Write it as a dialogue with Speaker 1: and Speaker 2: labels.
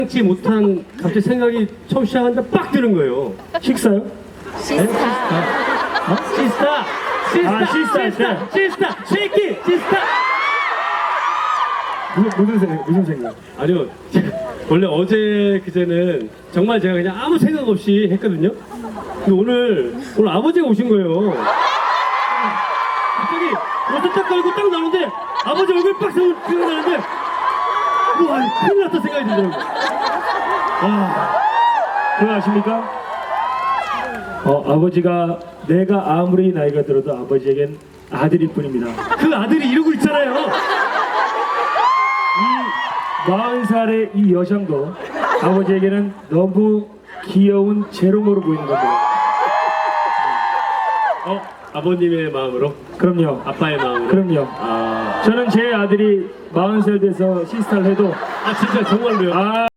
Speaker 1: 지 못한 갑자기 생각이 처음 시작하는데 빡 드는 거예요.
Speaker 2: 식사요?
Speaker 3: 시스타.
Speaker 1: 시스타! 시스타! 쉐이키! 시스타!
Speaker 2: 무슨 생각?
Speaker 1: 아니요. 원래 어제 그제는 정말 제가 그냥 아무 생각 없이 했거든요. 근데 오늘 아버지가 오신 거예요. 갑자기 옷을 딱 걸고 딱 나오는데 아버지 얼굴 빡 생각나는데 와 큰일 났다 생각이 들더라고요.
Speaker 2: 그거 아십니까? 아버지가 내가 아무리 나이가 들어도 아버지에겐 아들일 뿐입니다.
Speaker 1: 그 아들이 이러고 있잖아요.
Speaker 2: 이 40살의 이 여성도 아버지에게는 너무 귀여운 재롱으로 보이는 겁니다.
Speaker 1: 아버님의 마음으로?
Speaker 2: 그럼요.
Speaker 1: 아빠의 마음으로?
Speaker 2: 그럼요. 저는 제 아들이 40살 돼서 시스타를 해도
Speaker 1: 진짜 정말로요?